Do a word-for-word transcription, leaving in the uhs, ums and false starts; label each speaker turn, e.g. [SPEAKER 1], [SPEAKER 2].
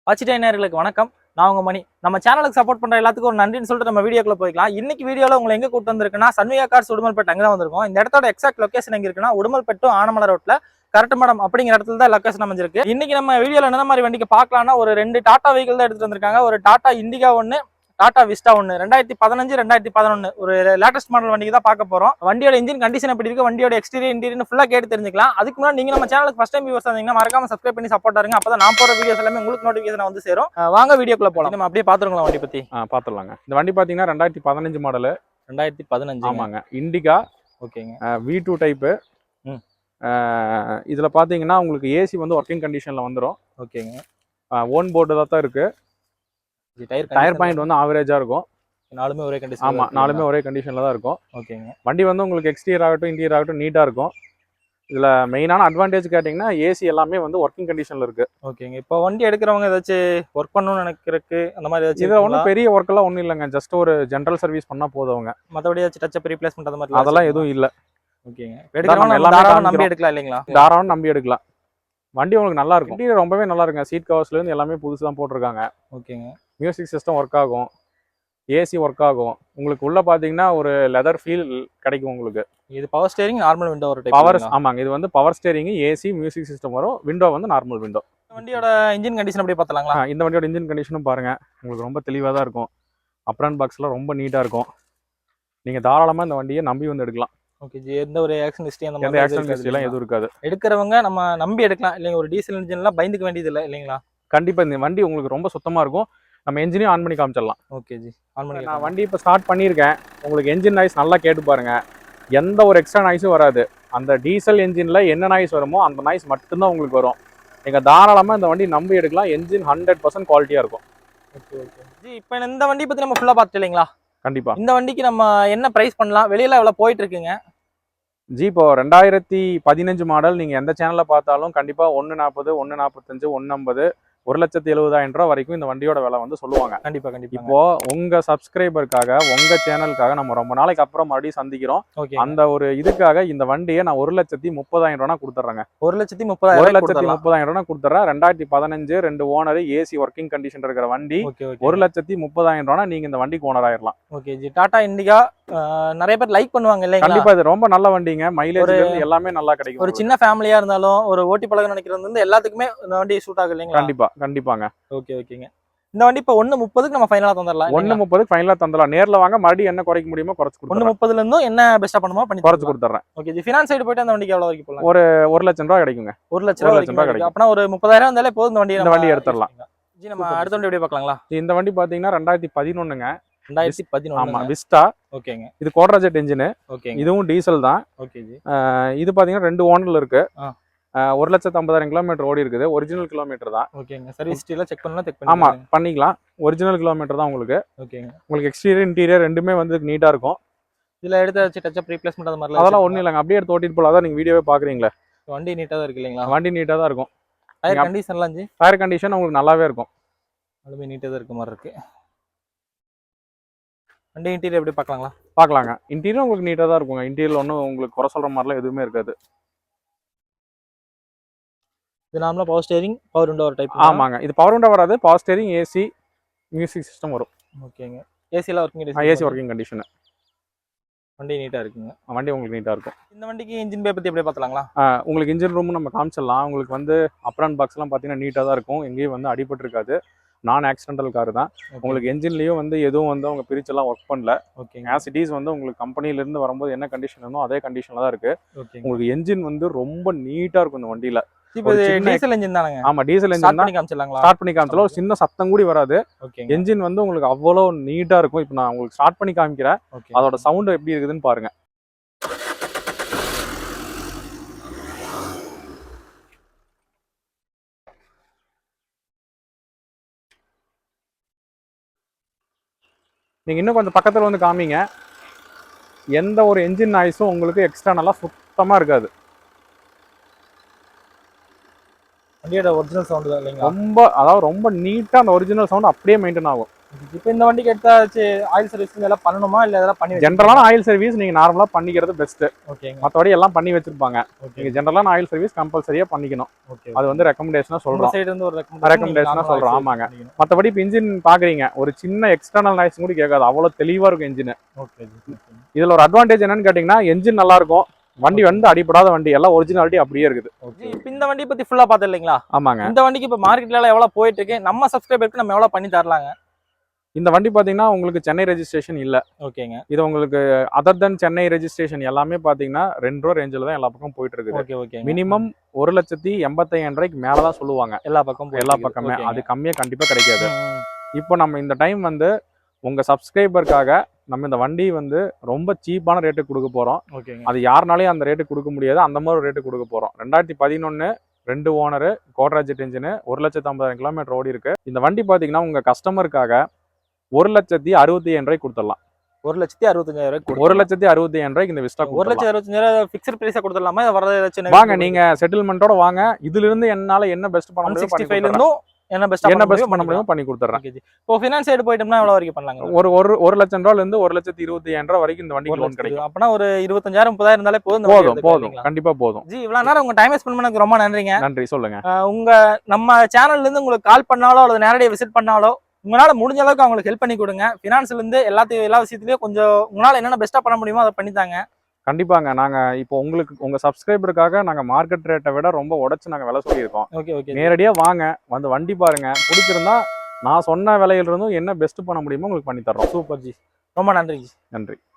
[SPEAKER 1] வாட்சிட்டே நேயர்களுக்கு வணக்கம். நான் உங்க மணி. நம்ம சேனலுக்கு சப்போர்ட் பண்ற எல்லாத்துக்கும் ஒரு நன்றின்னு சொல்லிட்டு நம்ம வீடியோக்குள்ள போய்க்கலாம். இன்னைக்கு வீடியோல உங்களை எங்க கூட்டு வந்திருக்குன்னா சன்விகா கார்ஸ் உடுமல்பேட்டை அங்க தான் வந்திருக்கோம். இந்த இடத்தோட எக்ஸாக்ட் லொகேஷன் எங்க இருக்குன்னா உடுமல்பேட்டு ஆனமலை ரோட்ல கரெக்ட் மேடம் அப்படிங்கிற இடத்துல தான் லொகேஷன் அமைஞ்சிருக்கு. இன்னைக்கு நம்ம வீடியோல என்ன மாதிரி வண்டிக்கு பார்க்கலாம்னா ஒரு ரெண்டு டாடா வெஹிக்கிள் தான் எடுத்துட்டு வந்திருக்காங்க. ஒரு டாடா இண்டிகா ஒன்னு, டாடா விஸ்டா ஒன்று ரெண்டாயிரத்தி பதினஞ்சு ரெண்டாயிரத்தி பதினொன்று ஒரு லேட்டஸ்ட் மாடல் வண்டிக்கு தான் பார்க்க போறோம். வண்டியோட இன்ஜின் கண்டிஷன் எப்படி இருக்கு, வண்டியோட எக்ஸ்டீரியர் இன்டீரியர் ஃபுல்லா கேட்டு தெரிஞ்சுக்கலாம். அதுக்கு முன்னாடி நீங்க நம்ம சேனலுக்கு ஃபர்ஸ்ட் டைம் வியூவர்ஸ் வந்தீங்கன்னா மறக்காம சப்ஸ்கிரைப் பண்ணி சப்போர்ட் ஆருங்க. அப்பதான் நான் போற வீடியோஸ் எல்லாமே உங்களுக்கு நோட்டிஃபிகேஷன் வந்து சேரும். வாங்க வீடியோக்குள்ள போலாம். நம்ம அப்படியே பாத்துருங்களா வண்டி பத்தி.
[SPEAKER 2] ஆ பாத்துடலாங்க. இந்த வண்டி பாத்தீங்கன்னா ரெண்டாயிரத்தி பதினஞ்சு மாடல்.
[SPEAKER 1] ரெண்டாயிரத்தி பதினஞ்சு
[SPEAKER 2] ஆமாங்க. இண்டிகா.
[SPEAKER 1] ஓகேங்க.
[SPEAKER 2] V two type. இதுல பாத்தீங்கன்னா உங்களுக்கு ஏசி வந்து ஒர்க்கிங் கண்டிஷன்ல வந்துடும்.
[SPEAKER 1] ஓகேங்க.
[SPEAKER 2] ஓன் போர்டு தான் இருக்கு.
[SPEAKER 1] டயர்
[SPEAKER 2] டயர் பாயிண்ட் வந்து ஆவரேஜா இருக்கும்.
[SPEAKER 1] நாலுமே ஒரே கண்டிஷன்.
[SPEAKER 2] ஆமா, நாலுமே ஒரே கண்டிஷன்ல தான் இருக்கும்.
[SPEAKER 1] ஓகேங்க.
[SPEAKER 2] வண்டி வந்து உங்களுக்கு எக்ஸ்டீரியர் ஆகட்டும் இன்டீரியர் ஆகட்டும் நீட்டா இருக்கும். இதுல மெயினான அட்வான்டேஜ் கேட்டீங்கன்னா ஏசி எல்லாமே வந்து ஒர்க்கிங் கண்டிஷன்ல இருக்கு.
[SPEAKER 1] ஓகேங்க. இப்போ வண்டி எடுக்கிறவங்க ஏதாச்சும் ஒர்க் பண்ணணும்னு நினைக்கிறதுக்கு அந்த மாதிரி ஏதாச்சும்
[SPEAKER 2] இதுல ஒன்றும் பெரிய ஒர்க் எல்லாம் ஒன்றும் இல்லைங்க. ஜஸ்ட் ஒரு ஜென்ரல் சர்வீஸ் பண்ணா போதும்.
[SPEAKER 1] மற்றபடி ஏதாச்சும் டச் அப் ரீப்ளேஸ்மெண்ட் அந்த மாதிரி
[SPEAKER 2] அதெல்லாம் எதுவும் இல்லை.
[SPEAKER 1] ஓகேங்க. எடுக்கிறவங்க எல்லாமே நம்பி எடுக்கலாம் இல்லைங்களா?
[SPEAKER 2] தாராளம் நம்பி எடுக்கலாம். வண்டி உங்களுக்கு நல்லா இருக்கும். இன்டீரியர் ரொம்பவே நல்லா இருக்குங்க. சீட் கவர்ஸ்ல இருந்து எல்லாமே புதுசு தான் போட்டிருக்காங்க.
[SPEAKER 1] ஓகேங்க.
[SPEAKER 2] மியூசிக் சிஸ்டம் ஒர்க் ஆகும், ஏசி ஒர்க் ஆகும். உங்களுக்கு உள்ள பாத்தீங்கன்னா ஒரு லெதர் ஃபீல் கிடைக்கும் உங்களுக்கு.
[SPEAKER 1] இது பவர் ஸ்டீரிங், நார்மல் விண்டோ ஒரு டைப்.
[SPEAKER 2] பவர் ஆமாங்க. இது வந்து power steering, AC, music system வரும். விண்டோ வந்து நார்மல் விண்டோ.
[SPEAKER 1] வண்டியோட இன்ஜின் கண்டிஷன் அப்படியே பார்த்தலாங்களா?
[SPEAKER 2] இந்த வண்டியோட இன்ஜின் கண்டிஷனும் பாருங்க, உங்களுக்கு ரொம்ப தெளிவாக தான் இருக்கும். அப்ரான் பாக்ஸ்லாம் ரொம்ப நீட்டா இருக்கும். நீங்க தாராளமா இந்த வண்டியை நம்பி வந்து எடுக்கலாம்.
[SPEAKER 1] ஓகே ஜி. எந்த ஒரு ஆக்சிடென்ட் ஹிஸ்டரி அந்த
[SPEAKER 2] மாதிரி ஆக்சிடென்ட் ஹிஸ்டரி எல்லாம் எதுவும் இருக்காது.
[SPEAKER 1] எடுக்கிறவங்க நம்ம நம்பி எடுக்கலாம் இல்லைங்க. ஒரு டீசல் இன்ஜின்லாம் பயந்துக்க வேண்டியது இல்லை இல்லைங்களா?
[SPEAKER 2] கண்டிப்பா இந்த வண்டி உங்களுக்கு ரொம்ப சுத்தமா இருக்கும். நம்ம என்ஜினையும் ஆன் பண்ணி காமிச்சிடலாம்.
[SPEAKER 1] ஓகே ஜி, ஆன் பண்ணி.
[SPEAKER 2] நான் வண்டி இப்போ ஸ்டார்ட் பண்ணியிருக்கேன். உங்களுக்கு என்ஜின் நாய்ஸ் நல்லா கேட்டு பாருங்க. எந்த ஒரு எக்ஸ்ட்ரா நாய்ஸும் வராது. அந்த டீசல் என்ஜின்ல என்ன நாய்ஸ் வருமோ அந்த நாய்ஸ் மட்டும்தான் உங்களுக்கு வரும். நீங்க தாராளமா இந்த வண்டி நம்பி எடுக்கலாம். என்ஜின் ஹண்ட்ரட் பர்சன்ட் குவாலிட்டியா இருக்கும்.
[SPEAKER 1] Okay okay ji. இப்போ இந்த வண்டி பத்தி நம்ம ஃபுல்லா பார்த்துட்டு இல்லைங்களா?
[SPEAKER 2] கண்டிப்பா.
[SPEAKER 1] இந்த வண்டிக்கு நம்ம என்ன பிரைஸ் பண்ணலாம், வெளியில எவ்வளவு போயிட்டு இருக்குங்க
[SPEAKER 2] ஜி? இப்போ ரெண்டாயிரத்தி பதினஞ்சு மாடல் நீங்க எந்த சேனல்ல பார்த்தாலும் கண்டிப்பா ஒன்னு நாற்பது, ஒன்னு நாற்பத்தஞ்சு, ஒன்னு ஐம்பது, ஒரு லட்சத்தி எழுபதாயிரம் ரூபாய் வரைக்கும் இந்த வண்டியோட விலை வந்து சொல்லுவாங்க.
[SPEAKER 1] கண்டிப்பா கண்டிப்பா.
[SPEAKER 2] இப்போ உங்க சப்ஸ்கிரைபருக்காக உங்க சேனலுக்காக நம்ம ரொம்ப நாளைக்கு அப்புறம் மறுபடியும் சந்திக்கிறோம். அந்த ஒரு இதுக்காக இந்த வண்டியை நான் ஒரு லட்சத்தி முப்பதாயிரம் ரூபாய் கொடுத்துட்றேங்க.
[SPEAKER 1] ஒரு லட்சத்தி முப்பதாயிரம்
[SPEAKER 2] ஒரு லட்சத்தி முப்பதாயிரம் ரூபாய் கொடுத்துட்றேன். ரெண்டாயிரத்தி பதினஞ்சு ரெண்டு ஓனர், ஏசி ஒர்க்கிங் கண்டிஷன் இருக்கிற வண்டி. ஒரு லட்சத்தி முப்பதாயிரம் ரூபாய் நீங்க இந்த வண்டிக்கு ஓனர் ஆயிரலாம்.
[SPEAKER 1] ஓகே ஜி. டாடா இண்டிகா நிறைய பேர் லைக் பண்ணுவாங்க இல்லையா?
[SPEAKER 2] கண்டிப்பா. இது ரொம்ப நல்ல வண்டிங்க. மைலேஜ் எல்லாமே நல்லா கிடைக்கும்.
[SPEAKER 1] ஒரு சின்ன ஃபேமிலியா இருந்தாலும் ஒரு ஓட்டி பழக நினைக்கிறது வந்து எல்லாத்துக்குமே இந்த வண்டி சூட் ஆகும் இல்லைங்களா?
[SPEAKER 2] கண்டிப்பா கண்டிப்பாங்க.
[SPEAKER 1] ஓகே ஓகேங்க. இந்த வண்டி இப்போ ஒன்னு முப்பதுக்கு நம்ம ஃபைனலா தந்துடலாம்.
[SPEAKER 2] ஒன்னு முப்பதுக்கு ஃபைனலா தந்துடலாம். நேர்ல வாங்க, மறுபடியும் என்ன குறைக்க முடியுமோ குறைச்சு கொடுத்துறேன்.
[SPEAKER 1] ஒன்னு முப்பதுல இருந்தும் என்ன பெஸ்டா பண்ணுமோ பண்ணி
[SPEAKER 2] குறைச்சு கொடுத்துறேன்.
[SPEAKER 1] Okay G. ஃபினான்ஸ் சைடு போயிட்டு அந்த வண்டிக்கு எவ்வளவு வரைக்கும் போலாம்?
[SPEAKER 2] ஒரு ஒரு லட்சம் ரூபாய் கிடைக்குங்க.
[SPEAKER 1] ஒரு லட்சம் ரூபாய் கிடைக்கும். அப்பனா ஒரு முப்பதாயிரம் வந்தாலே போதும் இந்த வண்டி
[SPEAKER 2] இந்த வண்டி எடுத்துடலாம்.
[SPEAKER 1] ஜி நம்ம அடுத்த வண்டி எப்படி பார்க்கலாங்களா?
[SPEAKER 2] இந்த வண்டி பாத்தீங்கன்னா ரெண்டாயிரத்தி பதினொன்னுங்க.
[SPEAKER 1] ரெண்டாயிரத்தி பதினொன்று.
[SPEAKER 2] ஆமா, விஸ்டா.
[SPEAKER 1] ஓகேங்க.
[SPEAKER 2] இது கோட்ராஜெட் இன்ஜின்.
[SPEAKER 1] ஓகேங்க.
[SPEAKER 2] இதுவும் டீசல் தான்.
[SPEAKER 1] ஓகே ஜி.
[SPEAKER 2] இது பாத்தீங்கன்னா ரெண்டு ஓனர்ல இருக்கு. ஒரு லட்சத்து ஐம்பதாயிரம் கிலோமீட்டர் ஓடி இருக்குது. ஒரிஜினல் கிலோமீட்டர் தான்.
[SPEAKER 1] ஓகேங்க. சர்வீஸ் ஹிஸ்டரியில செக் பண்ணலாம், செக் பண்ணி
[SPEAKER 2] ஆமா பண்ணிக்கலாம். ஒரிஜினல் கிலோமீட்டர் தான் உங்களுக்கு.
[SPEAKER 1] ஓகேங்க.
[SPEAKER 2] உங்களுக்கு எக்ஸ்டீரியர் இன்டீரியர் ரெண்டுமே வந்து நீட்டா இருக்கும்.
[SPEAKER 1] இதுல எடுத்து டச் அப் ரீப்ளேஸ்மென்ட் அந்த மாதிரி
[SPEAKER 2] அதெல்லாம் ஒண்ணும் இல்லங்க. அப்படியே எடுத்து ஓட்டிட்டு போலாம். அதான் நீங்க வீடியோவே பாக்குறீங்களா?
[SPEAKER 1] வண்டி நீட்டா தான் இருக்கு இல்லைங்களா?
[SPEAKER 2] வண்டி நீட்டா தான் இருக்கும்.
[SPEAKER 1] டயர் கண்டிஷன்லாம் ஜி?
[SPEAKER 2] டயர் கண்டிஷன் உங்களுக்கு நல்லாவே இருக்கும்.
[SPEAKER 1] அதுமே நீட்டா தான் இருக்க மாதிரி இருக்கு. வண்டி இன்டீரியர் எப்படி பார்க்கலாங்களா?
[SPEAKER 2] பார்க்கலாங்க. இன்டீரியர் உங்களுக்கு நீட்டா தான் இருக்குங்க. இன்டீரியர் ஒன்றும் உங்களுக்கு குறை சொல்ற மாதிரிலாம் எதுவுமே இருக்காது.
[SPEAKER 1] இது நார்மலா பவர் ஸ்டீரிங், பவர் விண்டோ ஒரு டைப்.
[SPEAKER 2] ஆமாங்க. இது பவர் விண்டோ வராது. Power steering, AC, music system வரும்.
[SPEAKER 1] ஓகேங்க. ஏசில working condition.
[SPEAKER 2] AC working condition.
[SPEAKER 1] வண்டி நீட்டா இருக்குங்க.
[SPEAKER 2] வண்டி உங்களுக்கு நீட்டா இருக்கும்.
[SPEAKER 1] இந்த வண்டிக்கு இன்ஜின் பே பத்தி எப்படி பார்த்தலாங்களா?
[SPEAKER 2] உங்களுக்கு இன்ஜின் ரூம் நம்ம காமிச்சிடலாம். உங்களுக்கு வந்து அப்ரான் பாக்ஸ் எல்லாம் பாத்தீங்கன்னா நீட்டா தான் இருக்கும். எங்கேயும் வந்து அடிபட்டு இருக்காது. நான் ஆக்சிடென்டல் கார் தான். உங்களுக்கு என்ஜின்லயும் வந்து எதுவும் வந்து அவங்க பிரிச்செல்லாம் ஒர்க் பண்ணல.
[SPEAKER 1] ஓகேங்க.
[SPEAKER 2] ஆஸ் இட் இஸ் வந்து உங்களுக்கு கம்பெனில இருந்து வரும்போது என்ன கண்டிஷன் இருந்தோ அதே கண்டிஷன்ல தான் இருக்கு. உங்களுக்கு என்ஜின் வந்து ரொம்ப நீட்டா இருக்கும் இந்த வண்டியில.
[SPEAKER 1] இப்போ டீசல் என்ஜின் தானங்க?
[SPEAKER 2] ஆமா, டீசல் என்ஜின் தான். காமிச்சலாங்களா? ஸ்டார்ட் பண்ணி காமிச்சலாம். ஒரு சின்ன சத்தம் கூட வராது. என்ஜின் வந்து உங்களுக்கு அவ்வளவு நீட்டா இருக்கும். இப்போ நான் உங்களுக்கு ஸ்டார்ட் பண்ணி காமிக்கிறேன். அதோட சவுண்ட் எப்படி இருக்குதுன்னு பாருங்க. நீங்க இன்னும் கொஞ்சம் பக்கத்துல வந்து காமிங்க. எந்த ஒரு என்ஜின் நாய்ஸும் உங்களுக்கு எக்ஸ்டர்னலா சுத்தமா இருக்காது.
[SPEAKER 1] வண்டியோட ஒரிஜினல் சவுண்ட் தான் இல்லைங்களா?
[SPEAKER 2] ரொம்ப அதாவது ரொம்ப நீட்டா அந்த ஒரிஜினல் சவுண்ட் அப்படியே மெயின்டைன் ஆகும்.
[SPEAKER 1] இப்போ இந்த வண்டிக்கு எடுத்தாச்சு ஆயில் சர்வீஸ் எல்லாம் பண்ணணுமா இல்ல இதெல்லாம் பண்ணி
[SPEAKER 2] ஜென்ரலான ஆயில் சர்வீஸ் நீங்க நார்மலா பண்ணிக்கிறது பெஸ்ட்.
[SPEAKER 1] ஓகேங்க.
[SPEAKER 2] மற்றபடி எல்லாம் பண்ணி வச்சிருப்பாங்க.
[SPEAKER 1] ஓகே.
[SPEAKER 2] நீங்க ஜென்ரலான ஆயில் சர்வீஸ் கம்பல்சரியா பண்ணிக்கணும்.
[SPEAKER 1] ஓகே.
[SPEAKER 2] அது வந்து ரெக்கமெண்டேஷனா சொல்றோம்.
[SPEAKER 1] சைடு இருந்து ஒரு
[SPEAKER 2] ரெக்கமெண்டேஷனா சொல்றோம். ஆமாங்க. மற்றபடி இப்போ இன்ஜின் பாக்குறீங்க, ஒரு சின்ன எக்ஸ்டர்னல் நாய்ஸ் கூட கேட்காது, அவ்வளவு தெளிவா இருக்கும் இன்ஜின்.
[SPEAKER 1] ஓகே.
[SPEAKER 2] இதுல ஒரு அட்வான்டேஜ் என்னன்னு கேட்டீங்கன்னா, என்ஜின் நல்லா இருக்கும், வண்டி வந்து அடிப்படாத வண்டி, எல்லாம் ஒரிஜினாலிட்டி அப்படியே இருக்குது.
[SPEAKER 1] இப்போ இந்த வண்டி பத்தி ஃபுல்லா பார்த்தது இல்லைங்களா?
[SPEAKER 2] ஆமாங்க.
[SPEAKER 1] இந்த வண்டிக்கு இப்போ மார்க்கெட்ல எல்லாம் எவ்வளவு போயிட்டு இருக்கு, நம்ம சப்ஸ்கிரைபருக்கு நம்ம எவ்வளவு பண்ணி தரலாங்க?
[SPEAKER 2] இந்த வண்டி பாத்தீங்கன்னா உங்களுக்கு சென்னை ரெஜிஸ்ட்ரேஷன் இல்ல.
[SPEAKER 1] ஓகேங்க.
[SPEAKER 2] இது உங்களுக்கு அதர் தென் சென்னை ரெஜிஸ்ட்ரேஷன் எல்லாமே பாத்தீங்கன்னா ரெண்டு ரூபா ரேஞ்சில் தான் எல்லா பக்கம் போயிட்டு இருக்குது.
[SPEAKER 1] ஓகே. ஓகே.
[SPEAKER 2] மினிமம் ஒரு லட்சத்தி எண்பத்தையாயிரம் ரூபாய்க்கு மேலதான் சொல்லுவாங்க
[SPEAKER 1] எல்லா பக்கம்
[SPEAKER 2] எல்லா பக்கமே. அது கம்மியா கண்டிப்பா கிடைக்காது. இப்போ நம்ம இந்த டைம் வந்து உங்க சப்ஸ்கிரைபருக்காக நம்ம இந்த வண்டி வந்து ரொம்ப சீப்பான ரேட்டுக்கு கொடுக்க போறோம்.
[SPEAKER 1] ஓகேங்க.
[SPEAKER 2] அது யாருனாலையும் அந்த ரேட்டு கொடுக்க முடியாது, அந்த மாதிரி ஒரு ரேட்டு கொடுக்க போறோம். ரெண்டாயிரத்தி பதினொன்னு ரெண்டு ஓனரு கோட்ராஜெட் இன்ஜின், ஒரு லட்சத்தி ஐம்பதாயிரம் கிலோமீட்டர் ஓடி இருக்கு. இந்த வண்டி பாத்தீங்கன்னா உங்க கஸ்டமருக்காக ஒரு லட்சத்தி அறுபத்தி ஐயாயிரம் ரூபாய்க்கு கொடுத்துடலாம்.
[SPEAKER 1] ஒரு லட்சத்தி அறுபத்தஞ்சாயிரம் ரூபாய்க்கு
[SPEAKER 2] ஒரு லட்சத்தி அறுபத்தி ஐயாயிரம் ரூபாய்க்கு இந்த விஸ்டா
[SPEAKER 1] ஒரு லட்சத்தி அறுபத்தஞ்சாயிரம் ஃபிக்ஸ்ட் பிரைஸா கொடுத்துடலாமா? வரது
[SPEAKER 2] வாங்க நீங்க செட்டில்மெண்டோட வாங்க. இதுல இருந்து என்னால என்ன பெஸ்ட் பண்ண முடியும்
[SPEAKER 1] சிக்ஸ்டி ஃபைவ்ல இருந்தும் என்ன பெஸ்ட்
[SPEAKER 2] என்ன பெஸ்ட் பண்ண முடியுமோ பண்ணி கொடுத்துறேன்.
[SPEAKER 1] இப்போ ஃபினான்ஸ் சைடு போயிட்டோம்னா எவ்வளவு வரைக்கும் பண்ணலாங்க?
[SPEAKER 2] ஒரு ஒரு ஒரு லட்சம் ரூபாயில இருந்து ஒரு லட்சத்தி இருபத்தி ஐயாயிரம் ரூபாய் வரைக்கும் இந்த வண்டிக்கு லோன் கிடைக்கும்.
[SPEAKER 1] அப்பனா ஒரு இருபத்தஞ்சாயிரம் முப்பதாயிரம் இருந்தாலே போதும்.
[SPEAKER 2] போதும் போதும் கண்டிப்பா போதும்.
[SPEAKER 1] ஜி இவ்வளவு நேரம் உங்க டைம் ஸ்பெண்ட் பண்ணதுக்கு ரொம்ப நன்றிங்க.
[SPEAKER 2] நன்றி. சொல்லுங்க.
[SPEAKER 1] உங்க நம்ம சேனல்ல இருந்து உங்களுக்கு கால் பண்ணாலோ அல்லது நேரடியாக விசிட் பண்ணாலோ உங்களால முடிஞ்ச அளவுக்கு அவங்களுக்கு ஹெல்ப் பண்ணி கொடுங்க. ஃபினான்ஸ்ல இருந்து எல்லாத்தையும் எல்லா விஷயத்துலயும் கொஞ்சம் உங்களால என்னென்ன பெஸ்ட்டா பண்ண முடியுமோ அதை பண்ணித்தாங்க.
[SPEAKER 2] கண்டிப்பாங்க. நாங்க இப்போ உங்களுக்கு உங்க சப்ஸ்கிரைபருக்காக நாங்க மார்க்கெட் ரேட்டை விட ரொம்ப உடைச்சு நாங்க விலை சொல்லியிருக்கோம்.
[SPEAKER 1] ஓகே. ஓகே.
[SPEAKER 2] நேரடியா வாங்க, வந்து வண்டி பாருங்க, பிடிச்சிருந்தா நான் சொன்ன விலையில இருந்தும் என்ன பெஸ்ட் பண்ண முடியுமோ உங்களுக்கு பண்ணி தர்றோம்.
[SPEAKER 1] சூப்பர் ஜி, ரொம்ப நன்றி ஜி.
[SPEAKER 2] நன்றி.